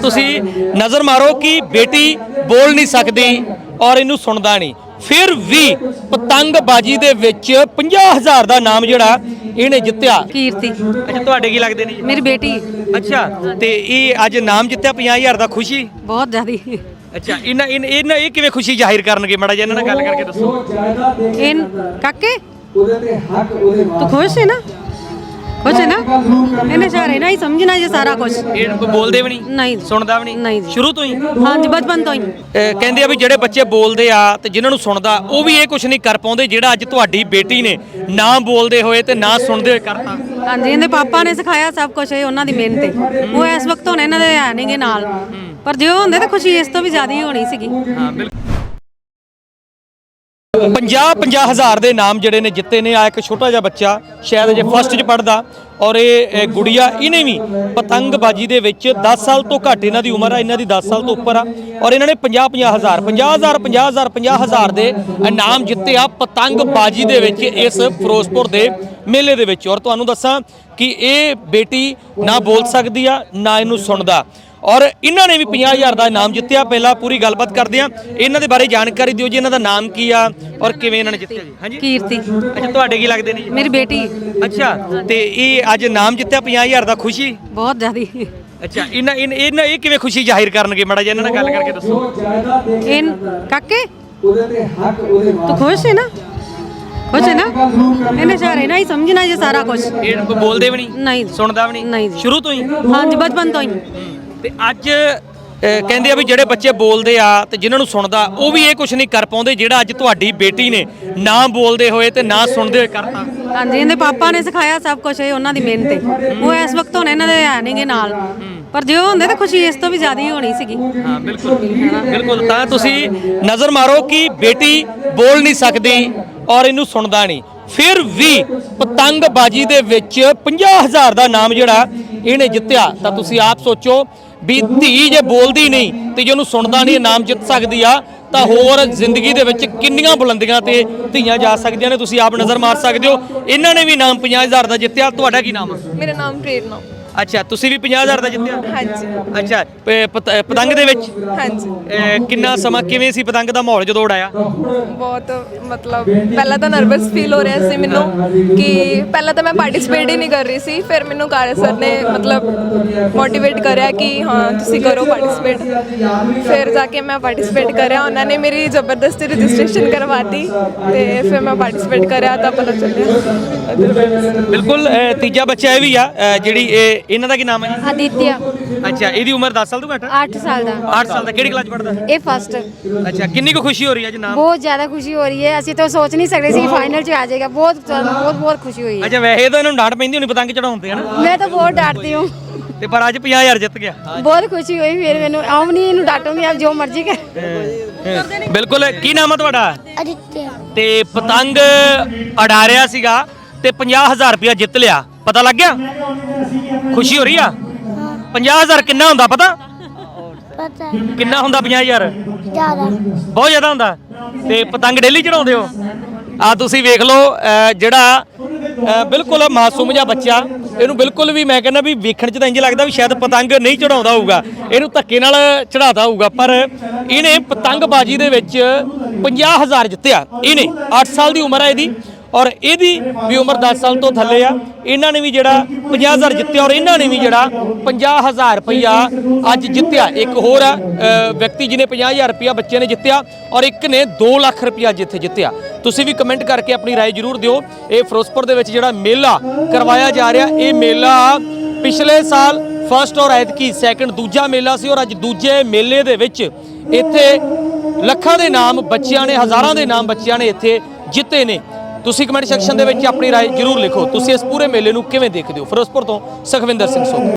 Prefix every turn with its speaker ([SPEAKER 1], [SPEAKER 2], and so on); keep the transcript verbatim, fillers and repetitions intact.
[SPEAKER 1] तुसी नज़र मारो कि बेटी बोल नहीं सकती और इनू सुनदा नहीं, फिर भी पतंगबाजी दे विच पचास हज़ार दा नाम जिहड़ा इहने जित्तिया।
[SPEAKER 2] कीर्ति
[SPEAKER 1] अच्छा, तुहाडे की लगदे ने?
[SPEAKER 2] मेरी बेटी।
[SPEAKER 1] अच्छा, ते ये अज नाम जित्तिया पचास हज़ार दा, खुशी
[SPEAKER 2] बहुत ज़्यादा।
[SPEAKER 1] अच्छा, इन्हां इन्हां ये किवें खुशी जाहिर करनगे? माड़ा जिहा इन्हां नाल गल करके दसो।
[SPEAKER 2] इन काके तू खुश है ना? खुश है ना? इन्हें सारे ना ही समझना ये सारा कुछ।
[SPEAKER 1] ਇਹ ਬੋਲਦੇ ਵੀ ਨਹੀਂ,
[SPEAKER 2] नहीं
[SPEAKER 1] ਸੁਣਦਾ ਵੀ ਨਹੀਂ?
[SPEAKER 2] नहीं जी।
[SPEAKER 1] ਸ਼ੁਰੂ ਤੋਂ ਹੀ
[SPEAKER 2] हाँ जी, बचपन तो ही।
[SPEAKER 1] ਅਹ ਕਹਿੰਦੇ ਆ ਵੀ ਜਿਹੜੇ ਬੱਚੇ ਬੋਲਦੇ ਆ ਤੇ ਜਿਨ੍ਹਾਂ ਨੂੰ ਸੁਣਦਾ ਉਹ ਵੀ ਇਹ ਕੁਝ ਨਹੀਂ ਕਰ ਪਾਉਂਦੇ ਜਿਹੜਾ ਅੱਜ ਤੁਹਾਡੀ ਬੇਟੀ ਨੇ ਨਾ ਬੋਲਦੇ ਹੋਏ ਤੇ ਨਾ ਸੁਣਦੇ ਹੋਏ ਕਰਤਾ।
[SPEAKER 2] हाँ जी, इन्हें पापा ने सिखाया सब कुछ है, उन्होंने मेहनत है। वो इस वक्त होने इन्हों दे है नहीं गे नाल, पर जो होंदे तो खुशी इस तो भी ज़्यादा ही होनी सीगी।
[SPEAKER 1] ਹਾਂ ਬਿਲਕੁਲ। ਪੰਜਾਹ ਪੰਜਾਹ ਹਜ਼ਾਰ ਦੇ ਨਾਮ ਜਿਹੜੇ ਨੇ ਜਿੱਤੇ ਨੇ। ਆ ਇੱਕ ਛੋਟਾ ਜਿਹਾ ਬੱਚਾ ਸ਼ਾਇਦ ਜੇ ਫਸਟ 'ਚ ਪੜਦਾ ਔਰ ਇਹ ਗੁੜੀਆ ਇਹਨੇ ਵੀ ਪਤੰਗਬਾਜੀ ਦੇ ਵਿੱਚ ਦਸ ਸਾਲ ਤੋਂ ਘੱਟ ਇਹਨਾਂ ਦੀ ਉਮਰ ਆ, ਇਹਨਾਂ ਦੀ ਦਸ ਸਾਲ ਤੋਂ ਉੱਪਰ ਆ ਔਰ ਇਹਨਾਂ ਨੇ ਪੰਜਾਹ ਪੰਜਾਹ ਹਜ਼ਾਰ ਪੰਜਾਹ ਹਜ਼ਾਰ ਪੰਜਾਹ ਹਜ਼ਾਰ ਪੰਜਾਹ ਹਜ਼ਾਰ ਦੇ ਇਨਾਮ ਜਿੱਤੇ ਆ ਪਤੰਗਬਾਜੀ ਦੇ ਵਿੱਚ ਇਸ ਫਿਰੋਜ਼ਪੁਰ ਦੇ ਮੇਲੇ ਦੇ ਵਿੱਚ। ਔਰ ਤੁਹਾਨੂੰ ਦੱਸਾਂ ਕਿ ਇਹ ਬੇਟੀ ਨਾ ਬੋਲ ਸਕਦੀ ਆ ਨਾ ਇਹਨੂੰ ਸੁਣਦਾ और इन्होंने भी पचास हज़ार का इनाम जित्तिया। पहला पूरी गलबात करते हैं, इन्हों के बारे जानकारी दिओ जी, इन्हों का नाम की आ और किवें इन्होंने जित्तिया जी? हाँ जी,
[SPEAKER 2] कीर्ति।
[SPEAKER 1] अच्छा, तुहाडे की लगदे ने जी?
[SPEAKER 2] मेरी बेटी।
[SPEAKER 1] अच्छा, ते ये अज नाम जित्तिया पचास हज़ार का, खुशी
[SPEAKER 2] बहुत ज़्यादा।
[SPEAKER 1] अच्छा, इन्हां इन्हां ये किवें खुशी जाहिर करनगे? माड़ा जिहा इन्हां नाल गल करके दसो।
[SPEAKER 2] इन काके तू खुश है ना? खुश है ना? इन्हें सारे ना ही समझना ये सारा कुछ।
[SPEAKER 1] ਇਹ ਬੋਲਦੇ ਵੀ ਨਹੀਂ,
[SPEAKER 2] नहीं
[SPEAKER 1] ਸੁਣਦਾ ਵੀ
[SPEAKER 2] नहीं
[SPEAKER 1] ਨਹੀਂ?
[SPEAKER 2] जी।
[SPEAKER 1] ਸ਼ੁਰੂ ਤੋਂ ਹੀ?
[SPEAKER 2] हाँ जी, बचपन तो ही।
[SPEAKER 1] ਤੇ ਅੱਜ ਅਹ ਕਹਿੰਦੇ ਆ ਵੀ ਜਿਹੜੇ ਬੱਚੇ ਬੋਲਦੇ ਆ ਤੇ ਜਿਨ੍ਹਾਂ ਨੂੰ ਸੁਣਦਾ ਉਹ ਵੀ ਇਹ ਕੁਝ ਨਹੀਂ ਕਰ ਪਾਉਂਦੇ ਜਿਹੜਾ ਅੱਜ ਤੁਹਾਡੀ ਬੇਟੀ ਨੇ ਨਾ ਬੋਲਦੇ ਹੋਏ ਤੇ ਨਾ ਸੁਣਦੇ ਹੋਏ ਕਰਤਾ।
[SPEAKER 2] हाँ जी, इन्हें पापा ने सिखाया सब कुछ है, उन्होंने मेहनत है। वो इस वक्त होने इन्हों दे है नहीं गे नाल, पर जो होंदे तो खुशी इस तो भी ज़्यादा ही होनी सीगी।
[SPEAKER 1] ਹਾਂ ਬਿਲਕੁਲ ਬਿਲਕੁਲ। ਤਾਂ ਤੁਸੀਂ ਨਜ਼ਰ ਮਾਰੋ ਕਿ ਬੇਟੀ ਬੋਲ ਨਹੀਂ ਸਕਦੀ ਔਰ ਇਹਨੂੰ ਸੁਣਦਾ ਨਹੀਂ, ਫਿਰ ਵੀ ਪਤੰਗਬਾਜੀ ਦੇ ਵਿੱਚ ਪੰਜਾਹ ਹਜ਼ਾਰ ਦਾ ਨਾਮ ਜਿਹੜਾ ਇਹਨੇ ਜਿੱਤਿਆ। ਤਾਂ ਤੁਸੀਂ ਆਪ ਸੋਚੋ ਵੀ ਧੀ ਜੇ ਬੋਲਦੀ ਨਹੀਂ ਤੇ ਜੇ ਉਹਨੂੰ ਸੁਣਦਾ ਨਹੀਂ ਇਨਾਮ ਜਿੱਤ ਸਕਦੀ ਆ ਤਾਂ ਹੋਰ ਜ਼ਿੰਦਗੀ ਦੇ ਵਿੱਚ ਕਿੰਨੀਆਂ ਬੁਲੰਦੀਆਂ ਤੇ ਧੀਆਂ ਜਾ ਸਕਦੀਆਂ ਨੇ। ਤੁਸੀਂ ਆਪ ਨਜ਼ਰ ਮਾਰ ਸਕਦੇ ਹੋ। ਇਹਨਾਂ ਨੇ ਵੀ ਇਨਾਮ ਪੰਜਾਹ ਹਜ਼ਾਰ ਦਾ ਜਿੱਤਿਆ। ਤੁਹਾਡਾ ਕੀ ਨਾਮ ਹੈ?
[SPEAKER 3] मेरा नाम प्रेरणा।
[SPEAKER 1] ਅੱਛਾ, ਤੁਸੀਂ ਵੀ ਪੰਜਾਹ ਹਜ਼ਾਰ ਦਾ ਜਿੱਤਿਆ?
[SPEAKER 3] हाँ जी।
[SPEAKER 1] ਅੱਛਾ, ਪ- ਪਤ- ਪਤੰਗ ਦੇ ਵਿੱਚ
[SPEAKER 3] हाँ जी।
[SPEAKER 1] ਅਹ ਕਿੰਨਾ ਸਮਾਂ ਕਿਵੇਂ ਸੀ ਪਤੰਗ ਦਾ ਮਾਹੌਲ ਜਦੋਂ ਉਡਾਇਆ?
[SPEAKER 3] बहुत मतलब पहला तो नर्वस फील हो रहा सी मैनू कि पहला तो मैं पार्टिसिपेट ही नहीं कर रही सी, फिर मैनू कार्य सर ने मतलब मोटिवेट कराया कि हाँ तुसी करो पार्टिसिपेट। फिर जाके मैं पार्टिसिपेट कराया, उन्होंने मेरी ज़बरदस्ती रजिस्ट्रेशन करवा दी ते फिर मैं पार्टिसिपेट कराया तो पता चलिया।
[SPEAKER 1] ਬਿਲਕੁਲ। ਅਹ ਤੀਜਾ ਬੱਚਾ ਇਹ ਵੀ ਆ ਅਹ ਜਿਹੜੀ ਇਹ ਇਹਨਾਂ ਦਾ ਕੀ ਨਾਮ ਹੈ ਜੀ?
[SPEAKER 4] आदित्य
[SPEAKER 1] ਅੱਛਾ, ਇਹਦੀ ਉਮਰ ਦਸ ਸਾਲ ਤੋਂ ਘੱਟ?
[SPEAKER 4] आठ साल का।
[SPEAKER 1] ਅੱਠ ਸਾਲ ਦਾ। ਕਿਹੜੀ ਕਲਾਸ ਪੜਦਾ?
[SPEAKER 4] ये फर्स्ट।
[SPEAKER 1] ਅੱਛਾ, ਕਿੰਨੀ ਕੁ ਖੁਸ਼ੀ ਹੋ ਰਹੀ ਹੈ ਜੀ ਨਾਮ?
[SPEAKER 4] बहुत ज़्यादा खुशी हो रही है, ਅਸੀਂ तो सोच नहीं सकते सी फाइनल च आ जाएगा। बहुत बहुत बहुत खुशी हुई है।
[SPEAKER 1] ਅੱਛਾ, ਵੈਸੇ ਤਾਂ ਇਹਨਾਂ ਨੂੰ ਡਾਂਟ ਪੈਂਦੀ ਹੋਣੀ ਪਤੰਗ ਚੜਾਉਂਦੇ ਹਨ
[SPEAKER 4] मैं तो बहुत डांटती हूँ।
[SPEAKER 1] ਤੇ ਪਰ ਅੱਜ ਪੰਜਾਹ ਹਜ਼ਾਰ ਜਿੱਤ ਗਿਆ।
[SPEAKER 4] बहुत खुशी हुई, फिर मैंने आऊँ नहीं इन्हू डांटूंगी, आप जो मर्जी कर।
[SPEAKER 1] ਬਿਲਕੁਲ। ਕੀ ਨਾਮ ਹੈ ਤੁਹਾਡਾ?
[SPEAKER 4] आदित्य।
[SPEAKER 1] ਤੇ ਪਤੰਗ ਅੜਾ ਰਿਹਾ ਸੀਗਾ ਤੇ ਪੰਜਾਹ ਹਜ਼ਾਰ ਰੁਪਇਆ ਜਿੱਤ ਲਿਆ, ਪਤਾ ਲੱਗ ਗਿਆ? ਖੁਸ਼ੀ ਹੋ ਰਹੀ ਆ? ਪੰਜਾਹ ਹਜ਼ਾਰ ਕਿੰਨਾ ਹੁੰਦਾ ਪਤਾ?
[SPEAKER 4] पता
[SPEAKER 1] ਕਿੰਨਾ ਹੁੰਦਾ ਪੰਜਾਹ ਹਜ਼ਾਰ?
[SPEAKER 4] ज़्यादा।
[SPEAKER 1] ਬਹੁਤ ਜ਼ਿਆਦਾ ਹੁੰਦਾ। ਤੇ ਪਤੰਗ ਡੇਲੀ ਚੜਾਉਂਦੇ ਹੋ? ਆ ਤੁਸੀਂ ਵੇਖ ਲਓ ਅਹ ਜਿਹੜਾ ਅਹ ਬਿਲਕੁਲ ਮਾਸੂਮ ਜਿਹਾ ਬੱਚਾ, ਇਹਨੂੰ ਬਿਲਕੁਲ ਵੀ ਮੈਂ ਕਹਿੰਦਾ ਵੀ ਵੇਖਣ 'ਚ ਤਾਂ ਇੰਜ ਲੱਗਦਾ ਵੀ ਸ਼ਾਇਦ ਪਤੰਗ ਨਹੀਂ ਚੜਾਉਂਦਾ ਹੋਊਗਾ, ਇਹਨੂੰ ਧੱਕੇ ਨਾਲ ਚੜਾਤਾ ਹੋਊਗਾ, ਪਰ ਇਹਨੇ ਪਤੰਗਬਾਜੀ ਦੇ ਵਿੱਚ ਪੰਜਾਹ ਹਜ਼ਾਰ ਜਿੱਤਿਆ। ਇਹਨੇ ਅੱਠ ਸਾਲ ਦੀ ਉਮਰ ਹੈ ਇਹਦੀ ਔਰ ਇਹਦੀ ਵੀ ਉਮਰ ਦਸ ਸਾਲ ਤੋਂ ਥੱਲੇ ਆ। ਇਹਨਾਂ ਨੇ ਵੀ ਜਿਹੜਾ ਪੰਜਾਹ ਹਜ਼ਾਰ ਜਿੱਤਿਆ ਔਰ ਇਹਨਾਂ ਨੇ ਵੀ ਜਿਹੜਾ ਪੰਜਾਹ ਹਜ਼ਾਰ ਰੁਪਈਆ ਅੱਜ ਜਿੱਤਿਆ। ਇੱਕ ਹੋਰ ਆ ਅ, ਵਿਅਕਤੀ ਜਿਹਨੇ ਪੰਜਾਹ ਹਜ਼ਾਰ ਰੁਪਈਆ ਬੱਚੇ ਨੇ ਜਿੱਤਿਆ ਔਰ ਇੱਕ ਨੇ ਦੋ ਲੱਖ ਰੁਪਈਆ ਜਿੱਥੇ ਜਿੱਤਿਆ। ਤੁਸੀਂ ਵੀ ਕਮੈਂਟ ਕਰਕੇ ਆਪਣੀ ਰਾਏ ਜ਼ਰੂਰ ਦਿਓ। ਇਹ ਫਿਰੋਜ਼ਪੁਰ ਦੇ ਵਿੱਚ ਜਿਹੜਾ ਮੇਲਾ ਕਰਵਾਇਆ ਜਾ ਰਿਹਾ, ਇਹ ਮੇਲਾ ਪਿਛਲੇ ਸਾਲ ਫਸਟ ਔਰ ਐਤਕੀ ਸੈਕੰਡ ਦੂਜਾ ਮੇਲਾ ਸੀ ਔਰ ਅੱਜ ਦੂਜੇ ਮੇਲੇ ਦੇ ਵਿੱਚ ਇੱਥੇ ਲੱਖਾਂ ਦੇ ਨਾਮ ਬੱਚਿਆਂ ਨੇ, ਹਜ਼ਾਰਾਂ ਦੇ ਨਾਮ ਬੱਚਿਆਂ ਨੇ ਇੱਥੇ ਜਿੱਤੇ ਨੇ। ਤੁਸੀਂ ਕਮੈਂਟ ਸੈਕਸ਼ਨ ਦੇ ਵਿੱਚ ਆਪਣੀ ਰਾਏ ਜ਼ਰੂਰ ਲਿਖੋ। ਤੁਸੀਂ ਇਸ ਪੂਰੇ ਮੇਲੇ ਨੂੰ ਕਿਵੇਂ ਦੇਖਦੇ ਹੋ? ਫਿਰੋਜ਼ਪੁਰ ਤੋਂ ਸੁਖਵਿੰਦਰ ਸਿੰਘ ਸੋਢੀ।